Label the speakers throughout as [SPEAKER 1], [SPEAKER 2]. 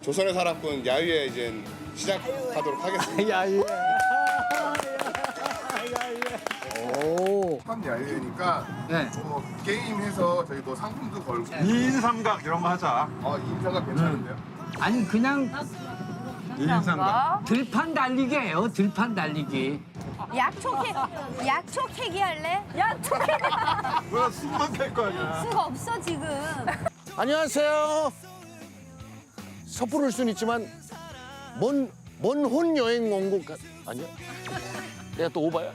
[SPEAKER 1] 조선의 사랑꾼 야유회 이제 시작하도록 하겠습니다.
[SPEAKER 2] 야예. 오.
[SPEAKER 1] 한 야유회니까
[SPEAKER 2] 네.
[SPEAKER 1] 뭐 게임해서 저희 뭐 상품도 걸고
[SPEAKER 3] 2인 삼각 이런 거 하자.
[SPEAKER 1] 인사가 괜찮은데요?
[SPEAKER 4] 아니 그냥
[SPEAKER 3] 2인 삼각.
[SPEAKER 4] 들판 달리기예요. 들판 달리기.
[SPEAKER 5] 약초 캐기 할래? 약초 캐기
[SPEAKER 3] 뭐야 숨만 팰 거 아니야.
[SPEAKER 5] 수가 없어 지금.
[SPEAKER 2] 안녕하세요. 섣부를 순 있지만 먼 혼 여행 온 것 아니야? 내가 또 오바야?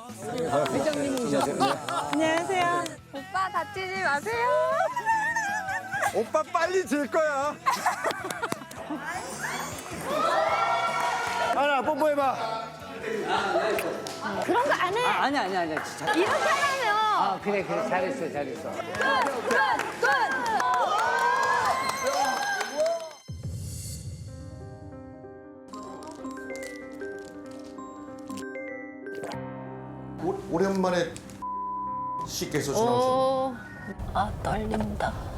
[SPEAKER 5] 안녕하세요. 오빠 다치지 마세요.
[SPEAKER 3] 오빠 빨리 질 거야.
[SPEAKER 2] 하나 뽀뽀해봐.
[SPEAKER 5] 그런 거 안 해.
[SPEAKER 4] 아니 진짜.
[SPEAKER 5] 이렇게 하면.
[SPEAKER 4] 아 그래 잘했어.
[SPEAKER 5] 끝.
[SPEAKER 2] 오랜만에 씨께서 나오셨네.
[SPEAKER 5] 아 떨린다.